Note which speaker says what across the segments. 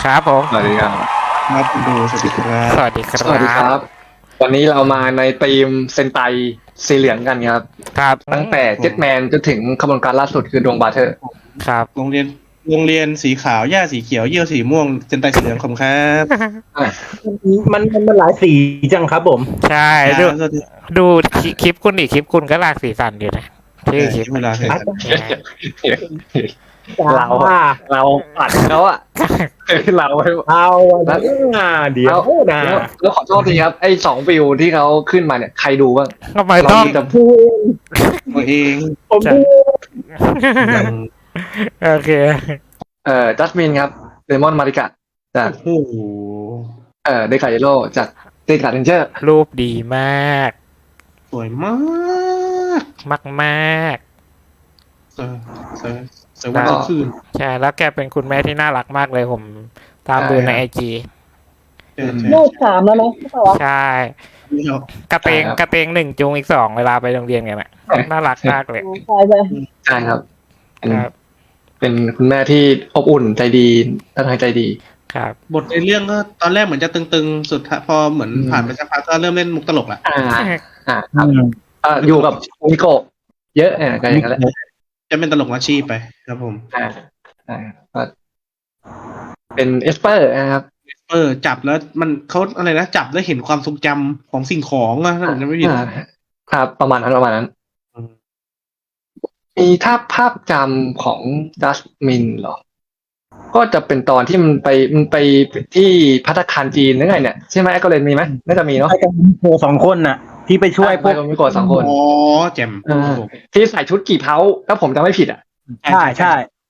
Speaker 1: ครับผม
Speaker 2: สวัสดีครับ
Speaker 3: ครับคุณดูสวัสดีครับ
Speaker 1: สวัสดีครั
Speaker 2: สวัสดีครับ บ วันนี้เรามาในธีมเซนไตสีเหลืองกันครับ
Speaker 1: ครับ
Speaker 2: ตั้งแต่เจ็ตแมนจนถึงขบวนการล่าสุดคือดวงบาเทอร์
Speaker 1: ครับ
Speaker 3: โรงเรียนสีขาวหญ้าสีเขียวเยี่ยวสีม่วงเจนไตสีเหลืองขอบคุณครับ
Speaker 4: มันหลายสีจังครับผม
Speaker 1: ใช่ดู
Speaker 3: สวัสดี
Speaker 1: ดูคลิปคุณดิคลิปคุณก็หลากสีสันอยู่นะชื่อคลิป
Speaker 3: เวลาเสร็จ
Speaker 2: เราปัดเขาอะเรา
Speaker 4: เอาเดี๋ยวนะ
Speaker 2: แล้วขอโทษทีครับไอ้2 วิวที่เขาขึ้นมาเนี่ยใครดูบ้าง
Speaker 1: ทำไม
Speaker 2: เรา
Speaker 1: ต้อง
Speaker 2: มีแต่
Speaker 4: พูด
Speaker 3: ตัวเอง
Speaker 4: ผมพูด
Speaker 1: โอเค
Speaker 2: จัสมินครับเดมอนมาริกะจาก
Speaker 3: โอ้โห
Speaker 2: เดคาเยโรจากเดคาเรนเจอร์
Speaker 1: รูปดีมาก
Speaker 3: สวยมาก
Speaker 1: มากมาก
Speaker 3: เสวยวันทั้งคืน
Speaker 1: ๆใช่แล้วแกเป็นคุณแม่ที่น่ารักมากเลยผมตามดูในไอจี
Speaker 5: ลูก3แล้วนะใช่ปะวะ
Speaker 1: ใช่กระเตง1จูงอีก2เวลาไปโรงเรียนกันอ่ะน่ารักมากเลย
Speaker 5: ใช่ใช่
Speaker 2: ใช่ครับเป็น
Speaker 1: ครับ
Speaker 2: เป็นคุณแม่ที่อบอุ่นใจดีท่าทางใจดี
Speaker 1: ครับ
Speaker 3: บทในเรื่องก็ตอนแรกเหมือนจะตึงๆสุดท้ายพอเหมือนผ่านไปสักพักก็เริ่มเล่นมุกตลกละ
Speaker 2: ครับอยู่กับมิโกะเยอะก็อย่างนั้นแหละ
Speaker 3: จะเป็นตลกอาชีพไปครับผม
Speaker 2: ก็เป็นเอสเปอร์นะครับ
Speaker 3: จับแล้วมันเขาอะไรนะจับแล้วเห็นความทรงจำของสิ่งของอะถ้าผมจำไม่ผิด
Speaker 2: ครับประมาณนั้นมีถ้าภาพจำของดัสมินเหรอ ก็จะเป็นตอนที่มันไปที่ภัตตาคารจีนนึกไงเนี่ยใช่ไหมก็เลยมีไหมน่าจะมีเนาะ
Speaker 4: ไอ้กันโชว์2 คนน่ะ ที่ไปช่วยพวก
Speaker 2: มิโกะ2 คน
Speaker 3: อ๋อแจ่ม
Speaker 2: ที่ใส่ชุดกี่เพ้าถ้าผมจำไม่ผิดอ่ะ
Speaker 4: ใช่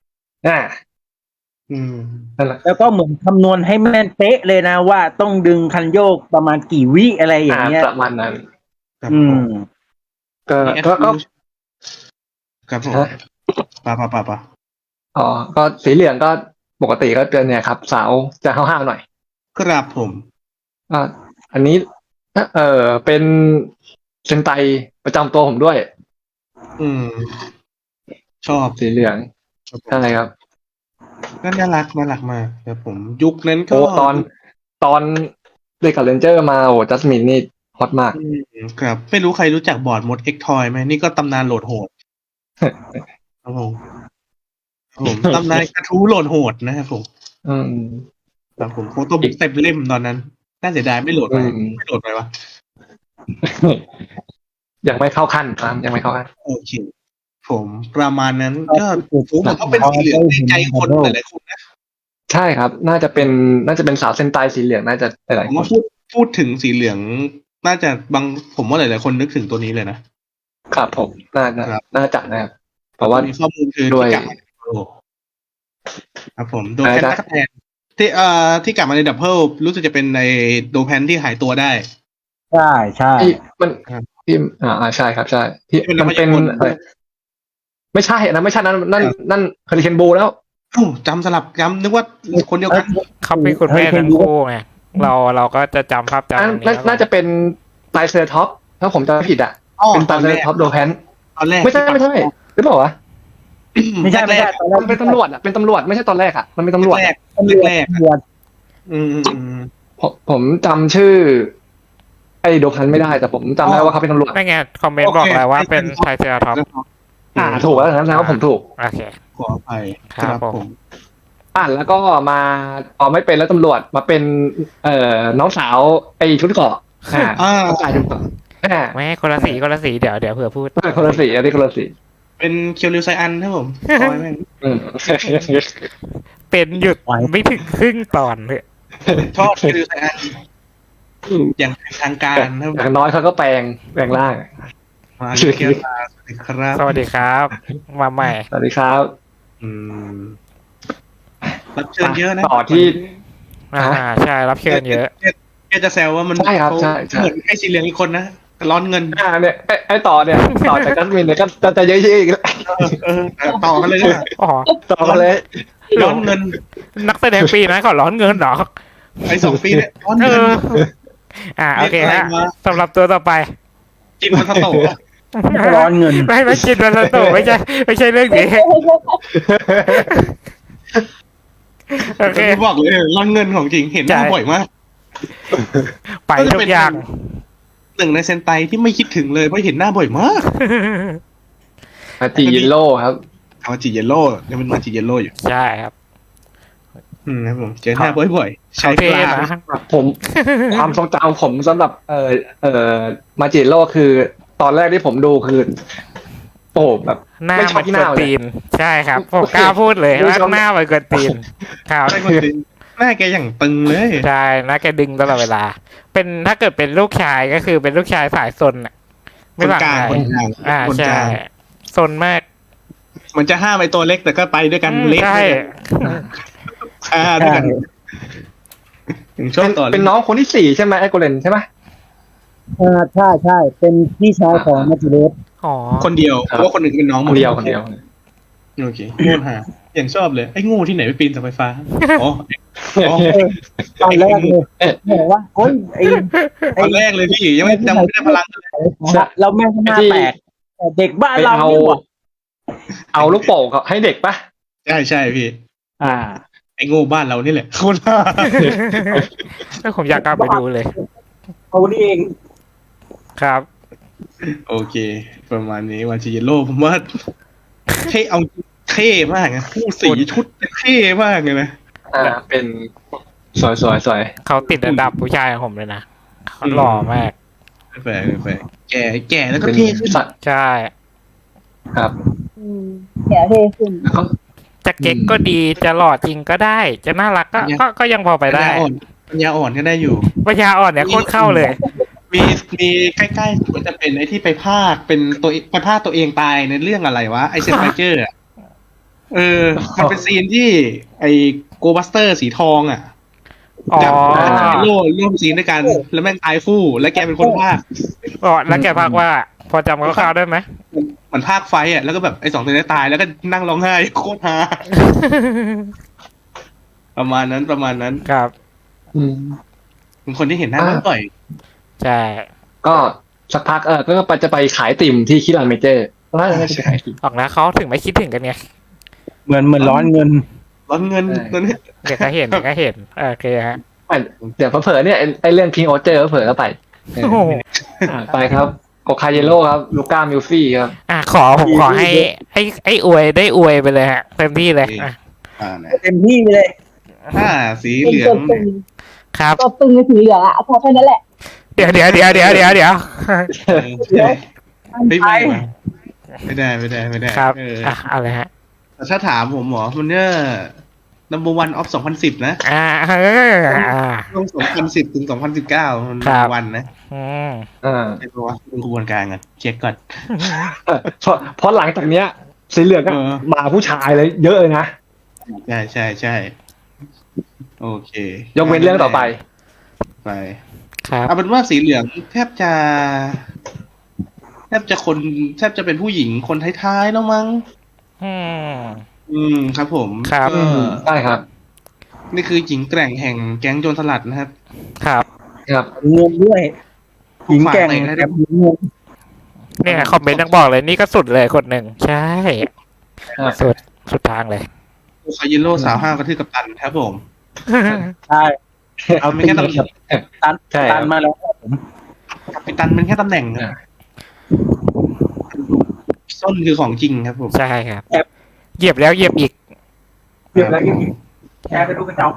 Speaker 3: อืม
Speaker 2: นั่นแหละ
Speaker 4: แล้วก็เหมือนคำนวณให้แม่นเป๊ะเลยนะว่าต้องดึงคันโยกประมาณกี่วิอะไรอย่างเงี้ย
Speaker 2: ประมาณนั้น
Speaker 3: ครับ
Speaker 4: อื
Speaker 3: ผม
Speaker 4: ม
Speaker 2: ก็
Speaker 3: ครับผมป่า
Speaker 2: อ๋อก็สีเหลืองก็ปกติก็เจอเนี่ยครับ สาวจะห้าวๆหน่อย
Speaker 3: ครับผม
Speaker 2: อันนี้เป็นเซนไตประจำตัวผมด้วย
Speaker 3: อืม ชอบ
Speaker 2: สีเหลืองใช่ครับ
Speaker 3: น่ารักมากครับผม ยุคนั้นก็
Speaker 2: โอ้ตอนเด็กกับเรนเจอร์มาโอ้จัสมินนี่ฮอตมาก
Speaker 3: ครับ ไม่รู้ใครรู้จักบอร์ดมดเอ็กทอยไหมนี่ก็ตำนานโหลดโหดครับผมตำนานกระทู้โหลดโหดนะครับผม
Speaker 2: อืม
Speaker 3: ครับผมโฟโต้บุ๊กเต็มเล่มตอนนั้นน่าเสียดายไม่โหลดไปวะ
Speaker 2: ยังไม่เข้าขั้นครับยังไม่เข้าขั้น
Speaker 3: โอเคผมประมาณนั้นก็ผมว่าเป็นสีเหลืองในใจคนหลายๆคนนะ
Speaker 2: ใช่ครับ น่าจะเป็นสาวเซนไตสีเหลืองน่าจะหลาย
Speaker 3: ผ
Speaker 2: ๆ
Speaker 3: ม
Speaker 2: คน
Speaker 3: ว่าพูดถึงสีเหลืองน่าจะผมว่าหลายๆคนนึกถึงตัวนี้เลยนะครับ
Speaker 2: ผมน่าจะนะครับเพราะว่า
Speaker 3: มีข้อมูลคือ
Speaker 2: ด้วย
Speaker 3: ที่กลับมาในดับเบิลครับผมโดแพนตักแพนที่กลับมาในดับเบิลรู้สึกจะเป็นในโดแพนที่หายตัวได้
Speaker 4: ใช่
Speaker 2: ที่มัน
Speaker 3: ครับ
Speaker 2: ที่ใช่ครับใช่ที่มันเป็นไม่ใช่นะไม่ใช่นั่นคาริเคนบูแล้ว
Speaker 3: โอ้จำสลับจำนึกว่าคนเดียวกัน
Speaker 1: เขาเป็นคุณแม่ทั้งคู่ไงเราก็จะจำภาพจำนี้
Speaker 2: น่าจะเป็นไตรเซอร์ท็อปถ้าผมจำไม่ผิดอ่ะ เป็นไตรเซอร์ท็อปโดแพน
Speaker 3: ตอนแรก
Speaker 2: ไม่ใช่หรือเปล่าวะ
Speaker 4: ไม่ใช่
Speaker 2: ตอนแรกเป็นตำรวจเป็นตำรวจไม่ใช่ตอนแรกอ่ะมันเป็นตำรวจ
Speaker 3: แรก
Speaker 4: บวช
Speaker 2: ผมจำชื่อ ไอ้โดแพนไม่ได้แต่ผมจำได้ว่าเขาเป็นตำรวจ
Speaker 1: ไม่ไงคอมเมนต์บอกแล้วว่าเป็นไทเซอร์ท็อป
Speaker 2: ถูกแล้วนะว่าผมถูก
Speaker 1: โอเค
Speaker 3: ขออภัย
Speaker 1: ครับผม
Speaker 2: แล้วก็มาไม่เป็นแล้วตำรวจมาเป็นน้องสาวไอ้ชุดเกราะน้องชายชุดเกราะ
Speaker 1: แม่คนละสีเดี๋ยวเผื่อพูด
Speaker 2: คนละสีอันนี้คนละสี
Speaker 3: เป็นเคียวริวไซอันครับผมขอให้แม่ง
Speaker 1: เป็นหยุดไม่ถึงครึ่งตอนเลย
Speaker 3: ชอบเคียวริวไซอันอย่างเป็นทางการครับ
Speaker 2: อย่างน้อยเขาก็แปลงร่าง
Speaker 3: มาเคียวตาสวัสดีครับ
Speaker 1: สวัสดีครับ มาใหม่
Speaker 2: สวัสดีครับ
Speaker 3: รับเชิญเยอะนะ
Speaker 2: ต่อที่
Speaker 1: ใช่รับเชิญเยอะ
Speaker 3: แกจะแซวว่ามัน
Speaker 2: ใช่ครับใช่
Speaker 3: เหมือนไอ้สีเหลืองอีกคนนะร้อนเงิน
Speaker 2: เนี่ยไอ้ต่อจากจัสมินเนี่ยก็จะเยอะๆอีกแล้ว
Speaker 3: ต่อกันเลยนะ
Speaker 1: อ๋อ
Speaker 2: ต่อมาเลย
Speaker 3: ร้อนเงิน
Speaker 1: นักแสดงปีนะเขาร้อนเงินเหรอ
Speaker 3: ไอ้2 ปีเนี่ยร้อน
Speaker 1: เอ
Speaker 3: เงิน
Speaker 1: อโอเคฮะสำหรับตัวต่อไป
Speaker 3: กินมันโต
Speaker 4: ร้อนเงิน
Speaker 1: ไม่กินวันละตัวไม่ใช่เรื่องนี้โอเคเค
Speaker 3: ที่บอกเลยร่อนเงินของจริงเห็นหน้า
Speaker 1: ใช่
Speaker 3: บ่อยมาก
Speaker 1: ไปทุกอย่าง
Speaker 3: หนึ่งในเซนไตที่ไม่คิดถึงเลยเพราะเห็นหน้าบ่อยมาก
Speaker 2: มาจิเยลโล่ครับ
Speaker 3: มาจิเยลโล่ยังเป็นมาจิเยลโล่อยู่
Speaker 1: ใช่ครับ
Speaker 3: ครับผมเจอหน้าบ่อยๆใช้
Speaker 1: เขาเท่
Speaker 3: ปลา
Speaker 1: นะ
Speaker 2: ผม ความทรงจำผมสำหรับมาจิโร่คือตอนแรกที่ผมดูคือโอ้แบบ
Speaker 1: หน้า
Speaker 2: ไม่ชอ
Speaker 1: มั
Speaker 2: บ
Speaker 1: น
Speaker 2: ที่
Speaker 1: ก
Speaker 2: ห
Speaker 1: วน
Speaker 2: น้าเลย
Speaker 1: ตีน ใช่ครับผมกล้าพูดเลย
Speaker 2: ไม่
Speaker 1: ว่า
Speaker 2: ชอบ
Speaker 1: หน้ามันกวนตีนครับ
Speaker 3: ใช่คนจริงหน้าแกอย่างตึงเลย
Speaker 1: ใช่หน้าแกดึงตลอดเวลา เป็นถ้าเกิดเป็นลูกชายก็คือเป็นลูกชายสายซนอ่ะ
Speaker 3: คน
Speaker 1: หวั
Speaker 3: กลาง
Speaker 1: อะไร
Speaker 3: คนกลาง คนก
Speaker 1: ใช่
Speaker 3: ลาง
Speaker 1: ซนมาก
Speaker 3: มันจะห้ามไอตัวเล็กแต่ก็ไปด้วยกันเล็ก
Speaker 1: ใช่
Speaker 3: ด้วยกันถึงชอบต่อ
Speaker 2: เป็นน้องคนที่4ใช่ไหมไอโกเลนใช่ไหม
Speaker 5: ใช่ใช่เป็นพี่ชายของมาจิเดส
Speaker 1: อ๋อ
Speaker 3: คนเดียวเพราะว่าคนหนึ่งเป็นน้องหม
Speaker 2: คนเดียวคนเดียว
Speaker 3: โอเคโง่หาอย่างชอบเลยไอ้โง่ที่ไหนไปปีนเสาไฟฟ้าอ๋อ
Speaker 5: ตอนแรกเลยบอกว่าโอ้ยไอ้
Speaker 3: ตอนแรกเลยพี่ยังไม่ได้พลังเลย
Speaker 5: เราแม่งหน้าแปลกแต่เด็กบ้าน
Speaker 2: ไป
Speaker 5: เรา
Speaker 2: เอา
Speaker 5: นี่หว่า
Speaker 2: เอาลูกโป่งเขาให้เด็กปะ
Speaker 3: ใช่พี่
Speaker 5: อ่า
Speaker 3: ไอ้โง่บ้านเรานี่แหละโคตรห่า
Speaker 1: ผมอยากกลับไปดูเลย
Speaker 5: เขานี่เอง
Speaker 1: ครับ
Speaker 3: โอเค ประมาณนี้วันชิเยโร่ผมว่าเท่เอาเท่มากนะคู่สีชุดเท่มากเลยนะ
Speaker 2: เป็นสวยสวยสวย
Speaker 1: เขาติดอันดับผู้ชายของผมเลยนะเขาหล่อมาก
Speaker 3: แฝงแก่แล้วก็
Speaker 2: เป็น
Speaker 3: เท่ขึ้น
Speaker 2: สัตว์
Speaker 1: ใช่
Speaker 2: ครับ
Speaker 5: แก่เท่ขึ้น
Speaker 2: เขา
Speaker 1: จะเก๊กก็ดีจะหล่อจริงก็ได้ จะน่ารักก็ยังพอไปได้
Speaker 3: ปัญญาอ่อนก็ได้อยู่
Speaker 1: ปัญญาอ่อนเนี่ยโคตรเข้าเลย
Speaker 3: มีใกล้ๆมันจะเป็นไอ้ที่ไปพากเป็นตัวไปพากตัวเองตายในเรื่องอะไรวะไอเซนไบเจอร์มันเป็นซีนที่ไอโกบัสเตอร์สีทองอ่ะ
Speaker 1: อ๋อ
Speaker 3: จับโล่ร่วมซีนด้วยกัน แล้วแม่งตายฟู่แล้วแกเป็นคนพาก
Speaker 1: อ๋อแล้วแกพากว่า พอจำคร่าวๆได้ไหม
Speaker 3: เหมือนภาคไฟอ่ะแล้วก็แบบไอ้สองตัวนี้ตายแล้วก็นั่งร้องไห้โคตรฮาประมาณนั้น
Speaker 1: ครับ
Speaker 2: อืม
Speaker 3: เป็นคนที่เห็นหน้าบ่อย
Speaker 1: ใช่
Speaker 2: ก็สักพักก็จะไปขายติ่มที่คิรันเมเจอร์น่าจะไปขายติ่ม
Speaker 1: ออกนะเขาถึงไม่คิดถึงกันไง
Speaker 4: เหมือนร้อนเงิน
Speaker 3: ร้อนเงินตัวนี้
Speaker 1: เดี๋ยวก็เห็นโอเคฮะ
Speaker 2: เดี๋ยวเผลอๆเนี่ยไอเรื่องพิงโอเจอร์เผลอๆก็ไป
Speaker 1: โอ้โห
Speaker 2: ไปครับโกคาเยโร่ครับลูก้ามิลฟี่ครับ
Speaker 1: ผมขอให้อวยได้อวยไปเลยฮะเต็มที่เลยอ่ะ
Speaker 4: เต็มที่ไปเลย
Speaker 3: สีเหลือง
Speaker 1: ครับ
Speaker 5: ตัวตึงในสีเหลืองอ่ะพอแค่นั้นแหละ
Speaker 1: เดี๋ยว
Speaker 3: ไม่ได้
Speaker 1: ครับเอาเลยฮะ
Speaker 3: แต่ถ้าถามผมหมอมันเนี่ย number one of 2010 นะ ช่วง2010 ถึง 2019 มัน
Speaker 1: ครับ
Speaker 3: วันนะ ใช่ปะวะดูกระบวนการกันเช็คก่อน
Speaker 2: เพราะหลังจากเนี้ยสีเหลืองก็มาผู้ชายเลยเยอะเลยนะ
Speaker 3: ใช่โอเค
Speaker 2: ยกเว้นเรื่องต่อไป
Speaker 1: ครับ
Speaker 3: เอาเป็นว่าสีเหลืองแทบจะเป็นผู้หญิงคนท้ายๆแล้วมั้ง ครับผม
Speaker 1: ครับ
Speaker 3: ก็
Speaker 2: ได้ครับ
Speaker 3: นี่คือหญิงแกร่งแห่งแก๊งโจรสลัดนะครับ
Speaker 1: ครับ
Speaker 2: ครับ
Speaker 4: งงด้วยหญิงแกร่ง
Speaker 3: ฝากหน่อย
Speaker 4: แบ
Speaker 3: นะ
Speaker 4: บงง
Speaker 1: เนี่ยคอมเมนต์ยังบอกเลยนี่ก็สุดเลยคนหนึ่งใช่สุดทางเลย
Speaker 3: คายิโร่สาวห้าวกระทืบกับตันครับผม
Speaker 4: ใช่เอา
Speaker 3: ไม่
Speaker 4: ตี
Speaker 3: แค่ตำแหน่ง
Speaker 4: ตัน
Speaker 2: ใช่ครับ
Speaker 4: ตันมาแล้วผม
Speaker 3: กัปตันเป็นแค่ตำแหน่งนะส้นคือของจริงครับผม
Speaker 1: ใช่ครับเหยียบแล้วเหยียบอีก
Speaker 4: เรียบร้อยแชร์ไปดูกันเอา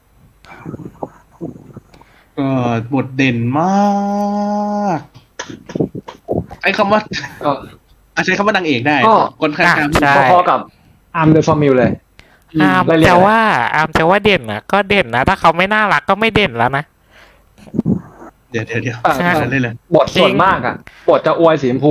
Speaker 3: ก็บทเด่นมากไอ้คำว่า
Speaker 2: ก็
Speaker 3: ใช้คำว่านางเอกได้
Speaker 2: ก็
Speaker 3: คนข้าง
Speaker 1: ใช่
Speaker 2: พอๆกับอาร์มเดอร์ฟอร์มิลเลย
Speaker 1: อามจะว่าเด่นนะก็เด่นนะถ้าเขาไม่น่ารักก็ไม่เด่นแล้วนะ
Speaker 3: เดี๋ยว
Speaker 1: ใช่
Speaker 3: เล่นเลย
Speaker 2: บทส่วนมากบทจะอวยสีชมพู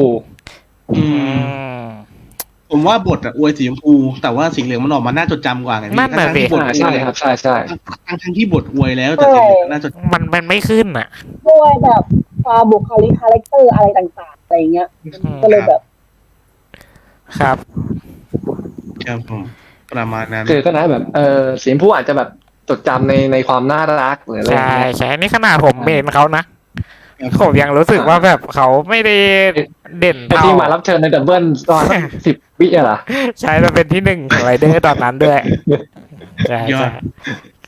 Speaker 3: ผมว่าบทอวยสีชมพูแต่ว่าสีเหลืองมันออกมาน่าจดจำกว่าไงพี่
Speaker 1: นั่นน่ะสิ
Speaker 2: ใช่ครับใช่
Speaker 3: ทั้งที่บทอวยแล้วแต่สีเหลืองน่าจด
Speaker 1: มันไม่ขึ้นอ่ะ
Speaker 5: ด้วยแบบความบุคลิกคาแรคเตอร์อะไรต่างๆอะไรเงี้ยก็เลยแบบ
Speaker 1: ครับ
Speaker 3: ครับผมประมาณนั้น
Speaker 2: คือก็นะแบบสีชมพูอาจจะแบบจดจำในความน่ารักหรืออะไรอย่าง
Speaker 1: ใช่
Speaker 2: เงี้ย
Speaker 1: ใช่นี่ขนาดผมเมนเขานะผมยังรู้สึกว่าแบบเขาไม่ได้เด่น
Speaker 2: ไอ้
Speaker 1: เท่า
Speaker 2: ที่มารับเชิญในดับเบิลตอน 10 วิอะเหรอ
Speaker 1: ใช่แล้วเป็นที่หนึ่งของไรเดอร์ตอนนั้นด้วยใช่
Speaker 3: ยอ
Speaker 1: ใช่
Speaker 3: ด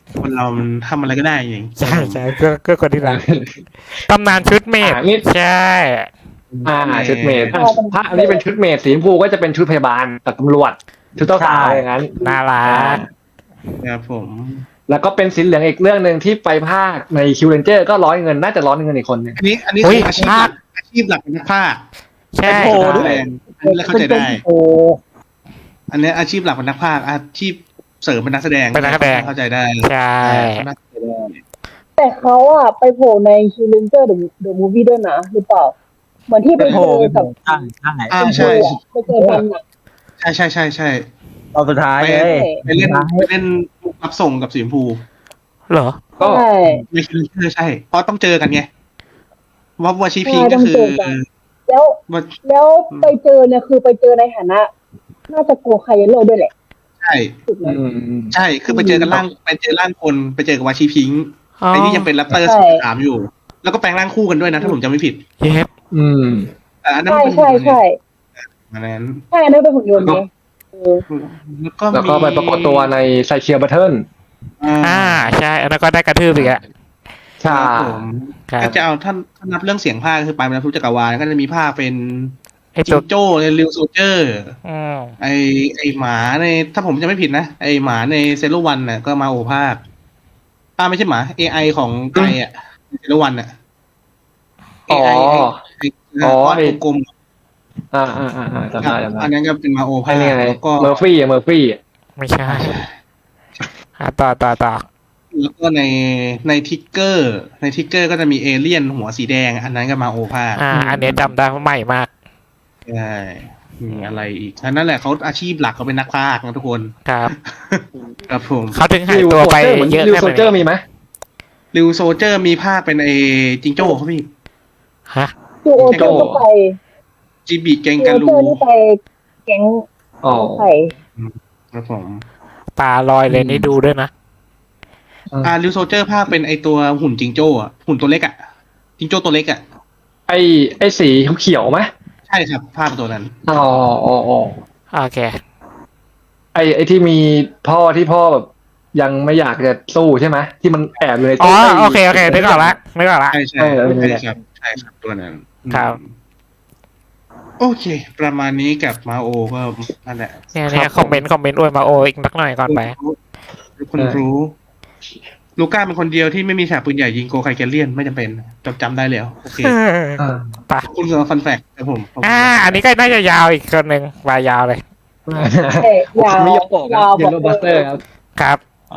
Speaker 3: คนเรามันทำอะไรก็ได้จริง
Speaker 1: ใช่ใช่ก็คนที่รักตำนานชุดเมด
Speaker 2: นี่
Speaker 1: ใช่
Speaker 2: ชุดเมดถ้าอันนี้เป็นชุดเมดสีชมพูก็จะเป็นชุดพยาบาลกับตำรวจชุดเจ้าสาวอย่างนั้น
Speaker 1: น่ารัก
Speaker 3: ครับผม
Speaker 2: แล้วก็เป็นสีเหลืองอีกเรื่องหนึ่งที่ไปภาคในคิวเรนเจอร์ก็ร้อยเงินน่าจะร้อยเงินอีกคนหนึง
Speaker 3: อันนี้
Speaker 1: อุ๊
Speaker 3: คื
Speaker 1: ย
Speaker 3: ออาชีพหลักอาชีพหลักเป็นนักพากย์
Speaker 1: ใช่
Speaker 4: โอ้โห
Speaker 3: แสดงอันนี้เราเข้าใจได้
Speaker 4: โอ้
Speaker 3: อันนี้อาชีพหลักเป็นนักพากย์อาชีพเสริมเป็นนักแสดง
Speaker 1: เป็นนักแสดง
Speaker 3: เข้าใจได้
Speaker 1: ใช่
Speaker 3: น่าเข้าใจได้
Speaker 5: แต่เขาอะไปโผล่ในคิวเลนเจอร์เดอะมูฟวี่ด้วยนะหรือเปล่าเหมือนที่ไป
Speaker 4: โห
Speaker 5: เจอกับ
Speaker 4: ใช่ใช่
Speaker 3: ใช่
Speaker 5: ไปเจอกันอะ
Speaker 3: ใช่
Speaker 4: ตอนสุดท้ายเลย
Speaker 3: ไปเล่นรับส่งกับสีชมพู
Speaker 1: เหรอ
Speaker 2: ก็
Speaker 5: ใช่
Speaker 3: ไม่คิดเลยใช่ เพราะต้องเจอกันไงว่าวัชีพิงก็คือ
Speaker 5: แล้ว
Speaker 3: ว่า
Speaker 5: แล้วไปเจอเนี่ยคือไปเจอในฐานะ น่าจะโกคายโร่ด้วยแหละ
Speaker 3: ใช่
Speaker 5: ถูกไหม
Speaker 3: ใช่คือไปเจอกันไปเจอร่างคนไปเจอกับวาชีพิง
Speaker 1: อ๋อ
Speaker 3: ไอ้นี่ยังเป็นแรปเตอร์
Speaker 5: ใช่
Speaker 3: สามอยู่ แล้วก็แปลงร่างคู่กันด้วยนะถ้าผมจำไม่ผิด
Speaker 1: เย็บ
Speaker 3: แต่อันนั้น
Speaker 5: ใช่
Speaker 3: มันเป็น
Speaker 5: ใช่ใช่
Speaker 3: อันนั้น
Speaker 5: ใช่อันนั้นเป็นหุ่นยนต์ไงเออ
Speaker 2: แล้วก็ไปปรากฏตัวในไซเคียบัตเทิล
Speaker 1: ใช่อันนั้นก็ได้กระทืบอีกอะ
Speaker 2: ใช่
Speaker 3: ครับผม
Speaker 1: ครับ
Speaker 3: ถ้าจะเอาท่านนับเรื่องเสียงภาคคือไปมาทุกจักรวาลก็จะมีภาคเป็น
Speaker 1: ไอ
Speaker 3: จิ
Speaker 1: ตัว
Speaker 3: งโจ้ในริวโซเจอร์
Speaker 1: อืม
Speaker 3: ไอหมาในถ้าผมจะไม่ผิดนะไอหมาในเซโลวันน่ะก็มาโอภาคไม่ใช่หมา AI ของไกอ่ะเซโลวันน่ะ
Speaker 2: อ๋อ
Speaker 3: ก้อนกลม
Speaker 2: จำได้
Speaker 3: อันนั้นก็เป็นมาโอ
Speaker 2: ไอ้
Speaker 3: ภาค
Speaker 2: นี่ไง
Speaker 3: แล้วก็
Speaker 2: เมอร์ฟี่
Speaker 1: ไม่ใช่ต่อ
Speaker 3: แล้วก็ในทิกเกอร์ก็จะมีเอเลี่ยนหัวสีแดง อันนั้นก็มาโอภาค
Speaker 1: อันนี้จำได้เพราะใหม่มาก
Speaker 3: ใช่มีอะไรอีกอันนั้นแหละเขาอาชีพหลักเขาเป็นนักพากย์นะทุกคน
Speaker 1: ครับ
Speaker 3: ครับผม
Speaker 1: เขาถึงหายตัวไปเยอะ
Speaker 2: ริว
Speaker 1: แค่
Speaker 2: โซ
Speaker 1: ไหน
Speaker 2: เจอร์มีไหม
Speaker 3: ริวโซเจอร์มีภาคเป็นไอจิงโจ้เขาพี่
Speaker 1: ฮะ
Speaker 5: จูโอเจอร์ก็ไป
Speaker 3: จิบิเกง
Speaker 5: จู
Speaker 3: กา
Speaker 5: โอ
Speaker 3: ลู
Speaker 5: เจอร์นี่ไปแก๊ง
Speaker 2: อ๋อ
Speaker 5: ไข่
Speaker 3: ครับผม
Speaker 1: ตาลอยเลยนี่ดูด้วยนะ
Speaker 3: ริวโซเจอร์ภาคเป็นไอตัวหุ่นจิงโจ้อะหุ่นตัวเล็กอะจิงโจ้ตัวเล็กอะ
Speaker 2: ไอ้สีเขียวไหม
Speaker 3: ใช่ครับภาคตัวนั้น
Speaker 2: อ๋อ
Speaker 1: โอเค
Speaker 2: ไอ้ที่มีพ่อแบบยังไม่อยากจะสู้ใช่ไหมที่มันแอบเลย
Speaker 1: อ๋อโอเคนึกออกละ
Speaker 3: ใช่ครับตัวนั้น
Speaker 1: ครับ
Speaker 3: โอเค ประมาณนี้กับมาโอก็นั่นแหละ
Speaker 1: เนี่ยคอมเมนต์อวยมาโออีกนักหน่อยก่อนไป
Speaker 3: คนรู้ลูก้าเป็นคนเดียวที่ไม่มีฉากปืนใหญ่ยิงโกไคแกเลียนไม่จำเป็นจำได้แล้วโอเค
Speaker 1: ไป
Speaker 3: ขอบคุณสำหรับฟันแฟกครับผม
Speaker 1: อันนี้ก็น่าจะยาวอีกคนหนึ่งวายาวเลย
Speaker 5: ยาว
Speaker 2: มิโยโกะ
Speaker 5: ยาว
Speaker 2: เยลโลบัสเตอร์ครับ
Speaker 1: ครับ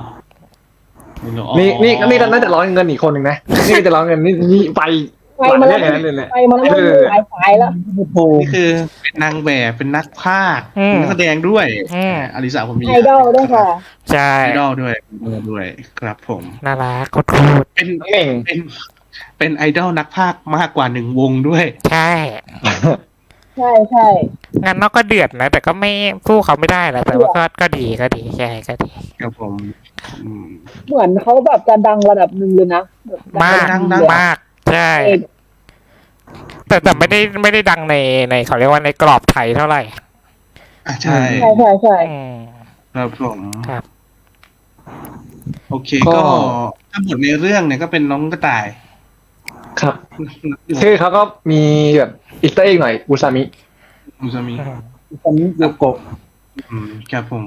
Speaker 2: นี่น่าจะร้อยเงินอีกคนหนึ่งนะนี่ก็จะร้อยเงินนี่ไป
Speaker 5: ไปมาแล้ว
Speaker 2: เลยเนี่ย
Speaker 5: ไปมาแล้วหลายสายแล้ว
Speaker 4: โอ้โห
Speaker 3: นี่คือเป็นนางแบบเป็นนักพากย์เป็นนักแสดงด้วยอลิสาผมมี
Speaker 5: ไอดอลด้วยค่ะ
Speaker 1: ใช่
Speaker 3: ไอดอลด้วยครับผม
Speaker 1: น่ารักโคตร
Speaker 3: เป็น
Speaker 2: เก่ง
Speaker 3: เป็นไอดอลนักพากย์มากกว่าหนึ่งวงด้วย
Speaker 1: ใช่
Speaker 5: ใช่ใช่
Speaker 1: งานนอกก็เดือดนะ แต่ก็ไม่สู้เขาไม่ได้แหละแต่ว่าก็ดีใช่ก็ดี
Speaker 3: ครับผม
Speaker 5: เหมือนเขาแบบจะดังระดับหนึ่งเลยนะแบบ
Speaker 1: มาก
Speaker 5: ระดับหนึ่งเลย
Speaker 1: มากใช่ แต่ไม่ได้ดังในเขาเรียกว่าในกรอบไทยเท่าไหร่
Speaker 3: ใช่
Speaker 5: ใช่
Speaker 1: อืม
Speaker 3: ครับผม
Speaker 1: ครับ
Speaker 3: โอเคก็ถ้าบทในเรื่องเนี่ยก็เป็นน้องกระต่าย
Speaker 2: ครับชื่อเขาก็มีแบบอีสเตอร์เอ็กหน่อยอุซามิ
Speaker 3: อุซามิ
Speaker 4: ผมโยโกะ
Speaker 3: ครับผม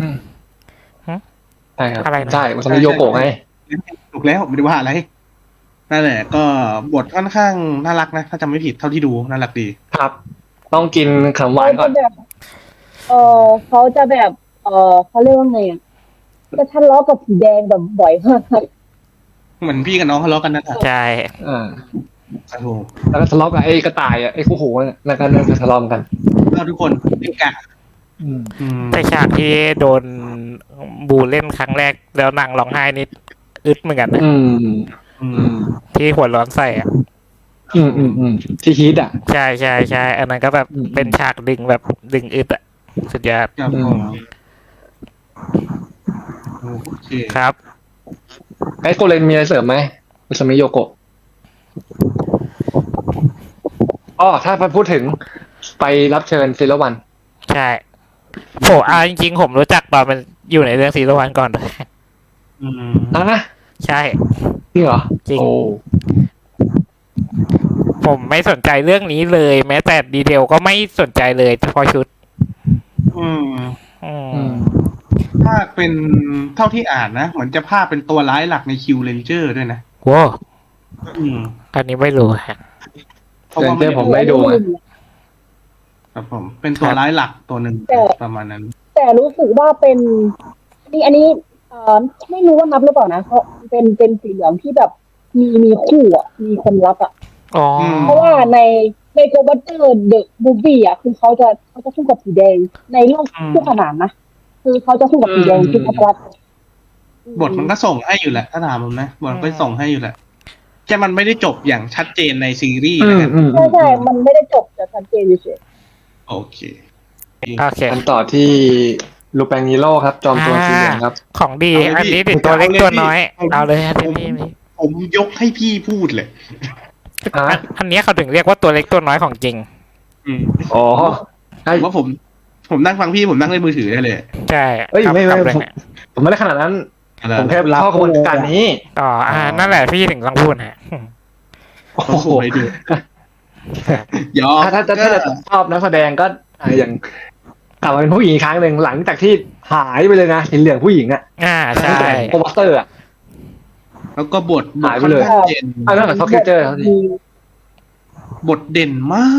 Speaker 2: ใช่ครับ
Speaker 1: อะไรนะ
Speaker 2: ใช่อุซามิโยโกะไง
Speaker 3: ถูกแล้วไม่ได้ว่าอะไรนั่นแหละ ก็บทค่อนข้างน่ารักนะถ้าจำไม่ผิดเท่าที่ดูน่ารักดี
Speaker 2: ครับ ต้องกินขนมหวานก่อน
Speaker 5: เขาจะแบบเขาเรียกว่าไงอ่ะจะทะเลาะกับสีแดงแบบบ่อยมาก
Speaker 3: เหมือนพี่กับน้องทะเลาะกันนั่นแหละ
Speaker 1: ใช่
Speaker 3: โอ้โห
Speaker 2: แล้วก็ทะเลาะกับไอ้กระต่ายไอ้คู่หูแล้วก็เรื่องทะเลาะกัน
Speaker 3: เราทุกคนเอกะ
Speaker 1: แต่ฉากที่โดนบูเล่นครั้งแรกแล้วนางร้องไห้นิดอึดเหมือนกันนะที่หัวร้อนใส่อ่ะ
Speaker 2: ที่ฮิตอ่ะ
Speaker 1: ใช่อันนั้นก็แบบเป็นฉากดึงแบบดึงอึดอ่ะสุดยอด
Speaker 3: ครับผมโอเค
Speaker 1: ครับ
Speaker 2: ไอ้โกเลนมีอะไรเสริมไหมอุซามิโยโกะถ้าพูดถึงไปรับเชิญซีรีส์วัน
Speaker 1: ใช่จริงๆผมรู้จักตอนมันอยู่ในเรื่องซีรีส์วันก่อนเลย
Speaker 2: นะ
Speaker 1: ใช่
Speaker 2: จริงเหรอ
Speaker 1: จริง
Speaker 2: โอ้
Speaker 1: ผมไม่สนใจเรื่องนี้เลย แม้แต่ดีเทลก็ไม่สนใจเลยเฉพาะชุด
Speaker 3: อืม
Speaker 1: อืม
Speaker 2: อืม
Speaker 3: ภาคเป็นเท่าที่อ่านนะเหมือนจะภาคเป็นตัวร้ายหลักในคิวเรนเจอร์ด้วยนะ
Speaker 1: โว้
Speaker 3: อืม
Speaker 1: อันนี้ไม่รู้ฮะ
Speaker 3: เพราะว่า
Speaker 2: เรนเจอร์ผมไม่ดูอะ
Speaker 3: ครับผม เป็นตัวร้ายหลักตัวหนึ่ง
Speaker 5: แต่
Speaker 3: ประมาณนั้น
Speaker 5: แต่รู้สึกว่าเป็นอันนี้ไม่รู้ว่านับหรือเปล่านะเพราะเป็นสีเหลืองที่แบบมีคู่อ่ะมีคนรักอ่ะ
Speaker 1: อ๋อ
Speaker 5: เพราะว่าในโกบัตเตอร์เดอะมูฟวี่อ่ะคือเขาจะสู้กับสีแดงในโลกคู่ขนานนะคือเขาจะสู้กับสีแดงที่เขารัก
Speaker 3: บทมันก็ส่งให้อยู่แหละ ถ้าถามผมนะบทมันก็ส่งให้อยู่แหละแค่มันไม่ได้จบอย่างชัดเจนในซีรีส์
Speaker 2: อื
Speaker 3: นะ
Speaker 2: ม
Speaker 3: ครับ
Speaker 2: อืม
Speaker 5: ใช่มันไม่ได้จบแต่ชัดเจนเฉย
Speaker 3: โอเค
Speaker 1: โอเค
Speaker 2: กันต่อที่ลูแปงนิโร่ครับ จอมโจรสีเหลืองครับ
Speaker 1: ของดี
Speaker 3: เอาเลย
Speaker 1: อันนี้
Speaker 3: พี่
Speaker 1: ติดตัวเล็กตัวน้อย
Speaker 3: เอาเลย
Speaker 1: เอาเลยฮะ
Speaker 3: ผ
Speaker 1: ที่
Speaker 3: ม
Speaker 1: นี่
Speaker 3: ผมยกให้พี่พูดเลย
Speaker 1: อันนี้เขาถึงเรียกว่าตัวเล็กตัวน้อยของจริง
Speaker 3: อืม
Speaker 2: อ๋อใช่
Speaker 3: ว่าผมนั่งฟังพี่ผมนั่งเล่นมือถือได้เลย
Speaker 1: ใช่
Speaker 2: เอ้ย
Speaker 1: ครับ
Speaker 2: ไม่
Speaker 1: ครับเลย
Speaker 2: ผมไม่ได้ขนาดนั้น
Speaker 3: อะไร
Speaker 2: ผมแค่ชอบกระบวนการนี้
Speaker 1: อ๋อนั่นแหละพี่ถึงต้องพูดฮะ
Speaker 2: โอ้
Speaker 3: โอ้
Speaker 2: โห
Speaker 3: โหไปดูยอม
Speaker 2: ถ้าจะชอบนักแสดงก็อย่างกลับมาเป็นผู้หญิงอีกครั้งหนึ่งหลังจากที่หายไปเลยนะสีเหลืองผู้หญิงอ่ะ
Speaker 1: ใช่
Speaker 2: ตั้งแต่โปสเตอร์อ่ะ
Speaker 3: แล้วก็บท
Speaker 2: หายไปเลย
Speaker 3: ค่อนข้างเด่น
Speaker 2: เอาเรื่องของท็อปคิวเจอร์เขาสิ
Speaker 3: บทเด่นมาก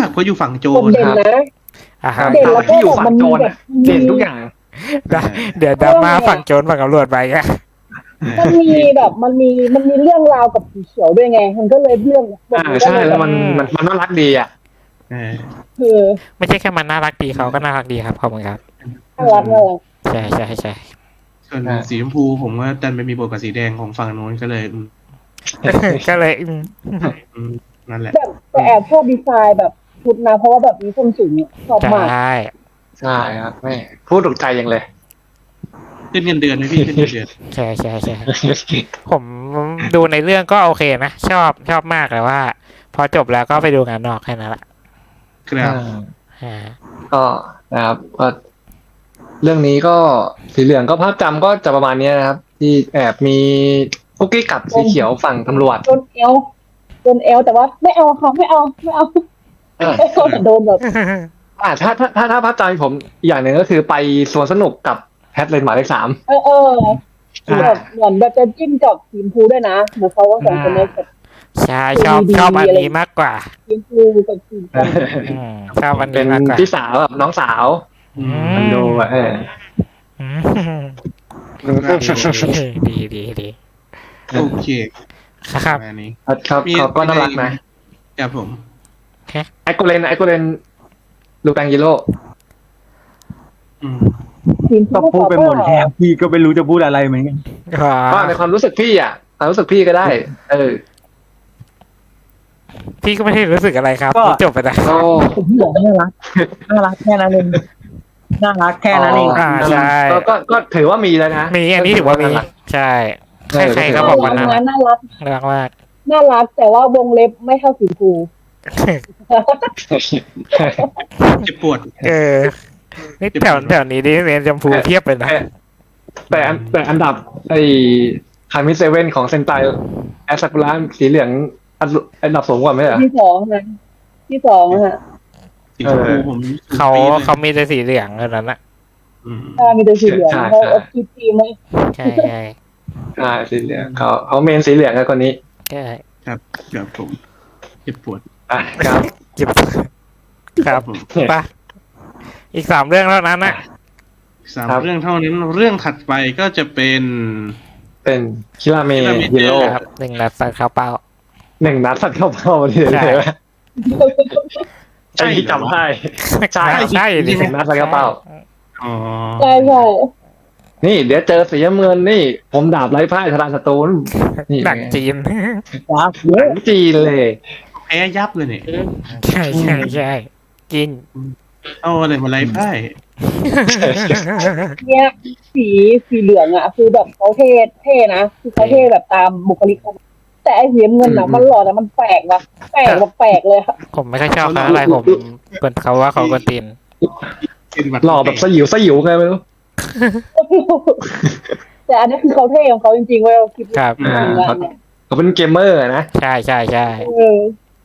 Speaker 3: เพราะอยู่ฝั่งโจ
Speaker 5: คน
Speaker 3: ร
Speaker 5: เด่นนะ
Speaker 1: อ่าฮะ
Speaker 5: เด่นแล้วก็
Speaker 2: ที่อยู่
Speaker 5: แบบ
Speaker 2: ฝั่
Speaker 5: มั
Speaker 2: ง
Speaker 5: น
Speaker 2: โจ
Speaker 5: มี
Speaker 2: ร
Speaker 5: แบ
Speaker 2: อะ
Speaker 5: บ
Speaker 2: เด่นทุกอย่าง
Speaker 1: เดี๋ยวดราม่าฝั่งโจรฝั่งตำรวจไปกัน
Speaker 5: มันมีแบบมันมีเรื่องราวกับสีเขียวด้วยไง มันก็เลยเรื่องบทมันก็
Speaker 2: ใช่
Speaker 5: เลย
Speaker 2: แล้วมันน่ารักดีอ่ะ
Speaker 3: เออ
Speaker 5: คือ
Speaker 1: ไม่ใช่แค่มันน่ารักดีเขาก็น่ารักดีครับขอบคุณครับ
Speaker 5: น่ารัก
Speaker 1: ใช่ใช่ใช่
Speaker 3: ส่วนสีชมพูผมว่าดันไปมีบทกับสีแดงของฝั่งโน้นก็เลย
Speaker 1: ก็เลย
Speaker 3: นั่นแหละ
Speaker 5: แบบแต่แอบชอบดีไซน์แบบชุดนะเพราะว่าแบบมีส้นสูงอะชอบ
Speaker 1: ใช
Speaker 5: มาก
Speaker 1: ่
Speaker 2: ใช่ครับแม่พูดถูกใจยังเลย
Speaker 3: ขึ้นเงินเดือนไหมพี่ขึ้นเงินเดือน
Speaker 1: ใช่ใช่ใช่ผมดูในเรื่องก็โอเคนะชอบมากเลยว่า พอจบแล้วก็ไปดูงานนอกแค่นั้นแหละ
Speaker 3: ครับ
Speaker 2: ก็นะครับก็เรื่องนี้ก็สีเหลืองก็ภาพจำก็จะประมาณนี้นะครับ ที่แอบมีคุกกี้กับสีเขียวฝั่งตำรวจ
Speaker 5: โดนเอลแต่ว่าไม่เอาค่ะไม่เอาไม่เอาแต่โดนแบบ
Speaker 2: ถ้าภาพจำผมอีกอย่างหนึ่งก็คือไปสวนสนุกกับแพทเลนหมายเลข 3
Speaker 5: แบบเหมือนแบบจะจิ้มกับทีมพูด้วยนะเหมือนเขาว่าสองคนนี้แบบ
Speaker 1: ใช่ชอบอันนี้มากกว่า
Speaker 5: ทีมพูกับทีมกัน
Speaker 1: ชอบอัน
Speaker 2: เป็
Speaker 1: นี้
Speaker 2: น
Speaker 1: มากกว่า
Speaker 2: พี่สาวกับน้องสาวมันดูอ่ะ
Speaker 1: ดี
Speaker 3: โอเค
Speaker 1: ครับ
Speaker 3: ประมาณนี้
Speaker 2: ครับเขาก็น่ารักนะครับ
Speaker 3: ผม
Speaker 2: ไอโกเลนลูแปงยิโร่
Speaker 5: ทีม
Speaker 4: ก็พูดไปหมดแล้วพี่ก็ไม่รู้จะพูดอะไรเหมือนกัน
Speaker 2: ก็ในความรู้สึกพี่อ่ะความรู้สึกพี่ก็ได้
Speaker 1: พี่ก็ไม่ได้รู้สึกอะไรครับจบไปแล้ว
Speaker 2: ก็
Speaker 4: ผมบอกน่ารักแค่นั้นเองน่ารักแค่นั้นเอง
Speaker 1: ใช่
Speaker 2: ก็ถือว่ามีแล้วนะ
Speaker 1: มีอันนี้ถือว่ามีใช่ใครๆก็บอกว่าน่ารัก
Speaker 5: น่ารัก
Speaker 1: น่ารักมาก
Speaker 5: น่ารักแต่ว่าวงเล็บไม่เท่าสีพู
Speaker 3: เจ็บปวด
Speaker 1: นี่แถวนี้ดิเรียนจมพูเทียบเลยนะ
Speaker 2: แต่อันดับไอ้คามิเซเว่นของเซนไตแอสซากุระสีเหลืองอันดับสูงกว่าไหมเหรอ
Speaker 5: ที่สองนะที่สองฮะ
Speaker 3: สีชมพูผม
Speaker 1: เขามีแต่สีเหลืองเท่านั้นนะ
Speaker 5: ถ้ามีแต่สีเหลืองเขาเอาคิดทีมไหม
Speaker 1: ใช่
Speaker 2: สีเหลืองเขาเมนสีเหลืองกับคนนี้
Speaker 1: ใช่
Speaker 3: ครับผมเจ็บปวด
Speaker 2: ครับ
Speaker 1: เก็บครับปะอีก3 เรื่องเท่านั้นนะ
Speaker 3: 3 เรื่องเท่านั้นเรื่องถัดไปก็จะเป็น
Speaker 2: เป็นคิราเมฮิโร่
Speaker 1: ครับ1 นัดสัตว์ข้าวเปล่า
Speaker 2: 1 นัดสัตว์เข้าเป้าเลยไหมใช่ที่จำได้ใช่
Speaker 1: ดิ
Speaker 2: 1 นัดสัตว์เข้าเป้า
Speaker 3: อ๋อ
Speaker 5: ใช่ใช่
Speaker 2: นี่เดี๋ยวเจอสีน้ำเงินนี่ ผมดาบไร้พ่ายทรานสตูนนี่
Speaker 1: หนังจีน
Speaker 4: ครับ
Speaker 2: หนังจีนเลย
Speaker 3: แพ้ยับเลยเนี่ย
Speaker 1: ใช่กิน
Speaker 3: เอาอะไรมาไล่ไพ่
Speaker 5: เนี่ยสีเหลืองอ่ะคือแบบเขาเท่นะคือเขาเท่แบบตามบุคลิกเขาแต่ไอ้สีเงินอ่ะมันหล่อแต่มันแปลกว่ะแปลกเลยค่ะ
Speaker 1: ผมไม่ค่อยชอบเขาอะไรผมเป็นเขาว่าเขากวนตีน
Speaker 2: หล่อแบบสยิวไงไม่รู้
Speaker 5: แต่อันนี้คือเขาเท่ของเขาจริงๆเว้ยคลิป
Speaker 1: ครับ
Speaker 2: เขาเป็นเกมเมอร์นะ
Speaker 1: ใช่ใช่ใช่
Speaker 5: เออ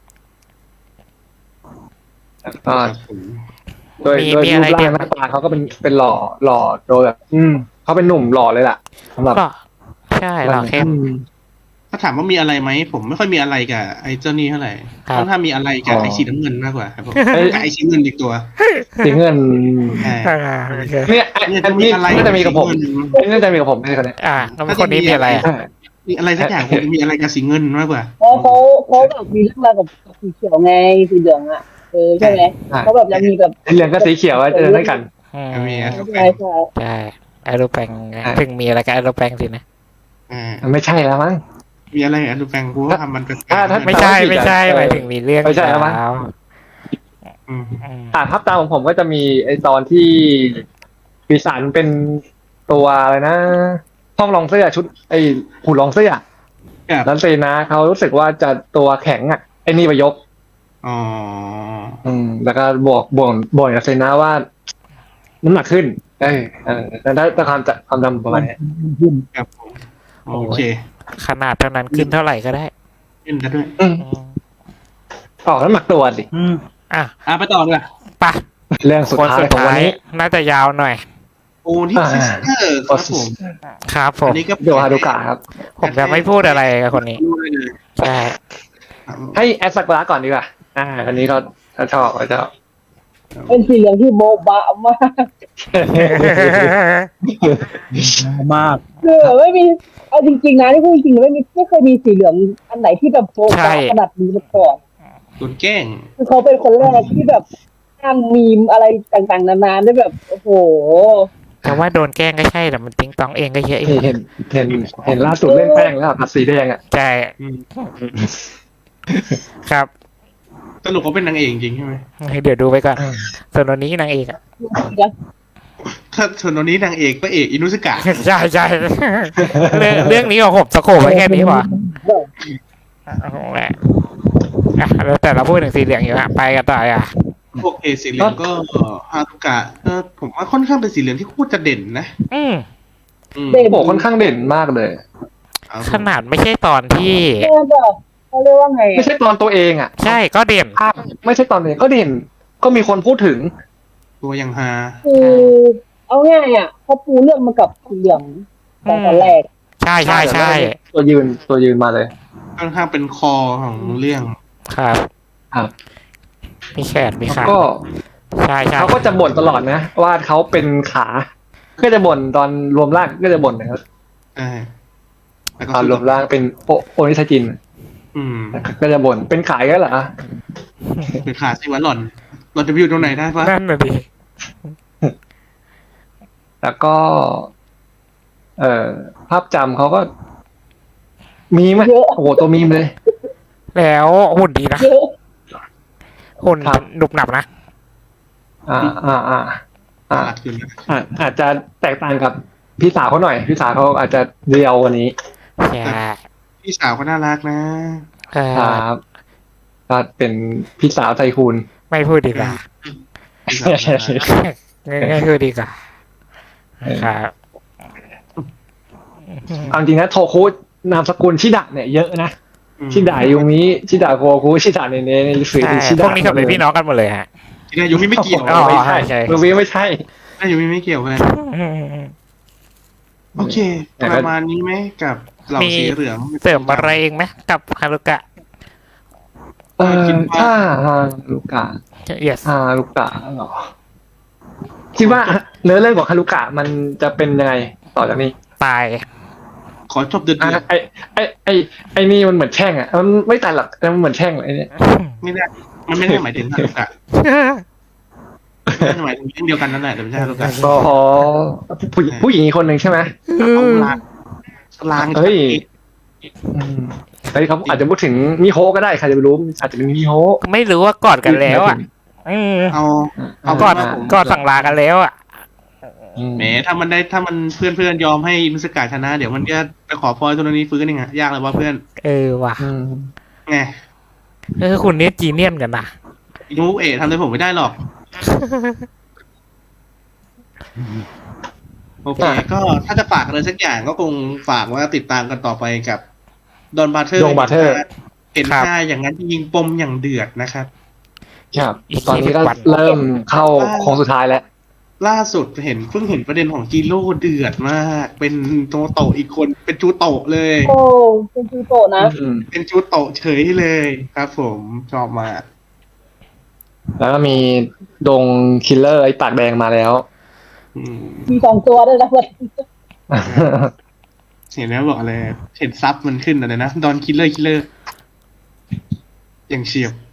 Speaker 2: ก็โดย
Speaker 1: มี
Speaker 2: โดย
Speaker 1: มี
Speaker 2: รู
Speaker 1: อะไร
Speaker 2: ปร่า
Speaker 1: เด่
Speaker 2: ง
Speaker 1: น
Speaker 2: หน้าตาเขาก็เป็นหล่อโดยแบบ เขาเป็นหนุ่มหล่อเลยล่ะสำหรับ
Speaker 1: ก็ใช่หล่อเข้ม
Speaker 3: ถ้าถามว่ามีอะไรไหมผมไม่ค่อยมีอะไรกับไอ้เจ้านี่เท่าไหร่
Speaker 1: ครับ
Speaker 3: ค่อนข้างมีอะไรกับไอ้สีน้ำเงินมากกว่าครับผมกับไอ้สีเงินอีกตัว
Speaker 2: สีเงิน
Speaker 3: ใช่
Speaker 1: โอเค
Speaker 2: เนี่ยอันนี้น่าจะมีกับผมอันนี้น่าจะมีกับผมใช่คนนี้
Speaker 1: แล้วคนนี้มีอะไรอ่ะ
Speaker 3: มีอะไรสักอย่างคงจะมีอะไรกับสีเงินมากกว่า
Speaker 5: เพราะเขาแบบมีเรื่องราวกับสีเขียวไงสีเหลืองอ่ะใช่ไหมเขาแบบยังมีแบบ
Speaker 2: สีเหลืองกับสีเขียวเจอด้วยกัน
Speaker 1: อืม
Speaker 3: มีอะ
Speaker 5: ใช่ใช่
Speaker 1: ใช่ไอโรแปงถึงมีอะไรกับไอโรแปงสินะ
Speaker 2: ไม่ใช่แล้วมั้ง
Speaker 3: มีอะไรกับลูแปงกูว่าทำมันเป็น
Speaker 2: ถ้า
Speaker 1: ไม่ใช่ไม่ใช่หมายถึงมีเรื่อง
Speaker 2: ไม่ใช่แล้วมั้ง
Speaker 1: แล้ว
Speaker 2: ภาพตามของผมก็จะมีไอตอนที่ปีศาจเป็นตัวอะไรนะห้องรองเสื้อชุดไอหุ่นรองเสื้อ
Speaker 3: กับ
Speaker 2: แล้วเซนาเขารู้สึกว่าจะตัวแข็งอ่ะไอ้นี่ไปยก
Speaker 3: อ๋อ
Speaker 2: แล้วก็บอกกับเซนาว่าน้ำหนักขึ้นแล้วได้ความจำประมาณนี้
Speaker 3: ครับผมโอเค
Speaker 1: ขนาดเท่านั้นขึ้นเท่าไหร่ก็ได้
Speaker 3: ขึ้นกันด้วย
Speaker 2: ออกน้ำหนักตัวสิ
Speaker 1: อ่ะ
Speaker 3: ไปต่อเลย
Speaker 1: ไปะ
Speaker 2: เรื่องสุด
Speaker 1: คน
Speaker 2: ท้าย
Speaker 1: สุด
Speaker 2: ของวัน
Speaker 1: ท้าย
Speaker 2: นี้
Speaker 1: น่าจะยาวหน่อย
Speaker 3: โอ้นี่ซิสเตอร์ครับผม
Speaker 1: ครับผม
Speaker 3: อันนี้ก็
Speaker 2: โยฮารุกะครับ
Speaker 1: ผมจะไม่พูดอะไรกับคนนี้
Speaker 3: รู้ได้เลย
Speaker 1: ใช่
Speaker 2: ให้แอดสักุระก่อนดีกว่าอันนี้เขาชอบเขาชอบ
Speaker 5: เป็นสีเหลืองที่โบบะมาก
Speaker 4: มาก
Speaker 5: ไม่มีเอาจริงๆนะที่พูดจริงๆไม่เคยมีสีเหลืองอันไหนที่แบบโบบะขนาดนี้มาก่อน
Speaker 3: โดนแกล้ง
Speaker 5: คือเขาเป็นคนแรกที่แบบสร้างมีมอะไรต่างๆนานาได้แบบโอ้โห
Speaker 1: แต่ว่าโดนแกล้งก็ใช่แต่มันติ้งตองเองก็เยอะอีก
Speaker 2: เห็นล่าสุดเล่นแป้งแล้วผัดสีแดงอ่ะ
Speaker 1: ใช่ครับ
Speaker 3: สรุปเขาเป็นนางเอกจริงใช่ไหม
Speaker 1: เดี๋ยวดูไปก่อนส่วนวันนี้นางเอกอ่ะ
Speaker 3: ถ้าส่วนตอนนี้นางเอกพระเอกอินุสกะ
Speaker 1: ใช่ใช่เรื่องนี้ของผมสโคปไว้แค่นี้พอแล้วแต่เราพูดถึงสีเหลืองอยู่ฮะไปกันต่ออ่ะ
Speaker 3: โอเคสีเหลืองก็ฮารุกะผมว่าค่อนข้างเป็นสีเหลืองที่โคตรจะเด่นนะ
Speaker 2: โอ้ค่อนข้างเด่นมากเลย
Speaker 1: ขนาดไม่ใช่ตอนที่
Speaker 5: เขาเรียกว่าไง
Speaker 2: ไม่ใช่ตอนตัวเองอ่ะ
Speaker 1: ใช่ก็เด่น
Speaker 2: ไม่ใช่ตอนเองก็เด่นก็มีคนพูดถึง
Speaker 3: ตัวยังฮา
Speaker 5: คือเอาง่ายอ่ะเขาปูเรื่องมากับสีเหลืองตอนแรก
Speaker 1: ใช่ใช่ใช่
Speaker 2: ตัวยืนมาเลย
Speaker 3: ค่อนข้างเป็นคอของเรื่อง
Speaker 1: ครับ
Speaker 2: ครับ
Speaker 1: มีแขนมีขา
Speaker 2: ก็
Speaker 1: ใช่ใช่
Speaker 2: เขาก็จะบ่นตลอดนะว่าเขาเป็นขาก็จะบ่นตอนรวมร่างก็จะบ่นนะครับ
Speaker 3: ใช่แล้วก็
Speaker 2: ตอนรวมร่างเป็นโอนิชาจิน ก็จะบ่นเป็นขายกันเหรอ
Speaker 3: เป็นขาสิวะหล่อนจะไปอยู่ตรงไหนได้ปะ
Speaker 1: นั่นน่ะดิ
Speaker 2: แล้วก็ ภาพจำเขาก็ มีไหมโอ้โหตัวมีมเลย
Speaker 1: แล้วหุ่นดีนะ
Speaker 5: เยอะ
Speaker 1: หุ่นหนุบหนับนะ
Speaker 3: หลักอยู่นะ
Speaker 2: อาจจะแตกต่างกับพี่สาวเขาหน่อยพี่สาวเขาอาจจะเรียวกว่านี้
Speaker 1: ใช่
Speaker 3: พี่สาวก็น่ารักนะ
Speaker 2: ครับก็เป็นพี่สาวไทคูน
Speaker 1: ไม่พูดดีกว่า
Speaker 3: พี่สาวน่ารัก
Speaker 1: ง่ายๆพูดดีกว่าครับ
Speaker 2: เอาจริงนะโทคุนามสกุลชิดะเนี่ยเยอะนะชิดะยูมิชิดะโคคุชิดะเนเนในสื่อ
Speaker 1: ใช่
Speaker 2: ชิ
Speaker 1: พ
Speaker 2: ดะ
Speaker 1: วกนี้เขาเป็นพี่น้องกันหมดเลยฮะ
Speaker 3: ที่นายยูมิไม่เกี่ยว
Speaker 1: อ๋อ
Speaker 2: ไม่ใช่
Speaker 1: ใช่
Speaker 2: ยูมิไม่ใช่
Speaker 3: นายยูมิไม่เกี่ยวกันโอเคประมาณนี้ไหมกับเหล่าสีเหลือง
Speaker 1: เสริมอะไรเองไหมกับฮารุกะ
Speaker 2: ถ้าฮารุกะ
Speaker 1: yes
Speaker 2: ฮารุกะเหรอคิดว่าเนื้อเรื่องของฮารุกะมันจะเป็นยังไงต่อจากนี้
Speaker 1: ตาย
Speaker 3: ขอจบเดือด
Speaker 2: ไอ้นี่มันเหมือนแช่งอ่ะมันไม่ตายหรอกแต่มันเหมือนแช่งไอ้เนี่ย
Speaker 3: ไม่ได้มันไม่ได้หมายถึงฮารุกะไม่ได้หมายถึงเรื่องเดียวกันนั่นแหละแต่ไม่ใช่ฮารุกะ
Speaker 2: อ๋อผู้หญิงอีกคนหนึ่งใช่ไหม
Speaker 3: เอาลาง
Speaker 2: เฮ้ยเขาอาจจะพูดถึงมิโฮะก็ได้ใครจะไปรู้อาจจะเป็นมิโฮะ
Speaker 1: ไม่รู้ว่ากอดกันแล้วอ่ะ
Speaker 3: เอา
Speaker 1: กอดสั่งลากันแล้วอ่ะ
Speaker 3: แหมถ้ามันเพื่อนยอมให้มิสกาชนะ เดี๋ยวมันก็ไปขอพรตัวนี้ฟื้นเองอะยากเลยว่าเพื่อน
Speaker 1: ว่ะ
Speaker 3: ไง
Speaker 1: คุณนี่จีเนียนกันนะ
Speaker 3: ยูทำอะไรผมไม่ได้หรอกโอเค ก็ถ้าจะฝากอะไรสักอย่างก็คงฝากว่าติดตามกันต่อไปกับดอนบาร์เทอร์
Speaker 2: Don Butler
Speaker 3: เห็นค่าอย่างนั้นยิงปมอย่างเดือดนะครับ
Speaker 2: ครับ
Speaker 1: อีก
Speaker 2: ตอนนี้ก็
Speaker 1: 20 วัน
Speaker 2: เริ่มเข้าโค้งสุดท้ายแล้ว
Speaker 3: ล่าสุดเพิ่งเห็นประเด็นของจีโร่เดือดมาก เป็นโตโตะอีกคนเป็นจูโตะเลย
Speaker 5: โอ้เป็นจูโตะนะ
Speaker 3: เป็นจูโตะเฉยเลยครับผมชอบมาก
Speaker 2: แล้วก็มีดงคิลเลอร์ไอ้ปากแดงมาแล้ว
Speaker 3: อืม
Speaker 5: มี2 ตัวด้วยนะเว้ย
Speaker 3: เห็นแล้วบอกอะไรเห็นซับมันขึ้นอะไรนะดอนคิลเลอร์อย่างเฉียบ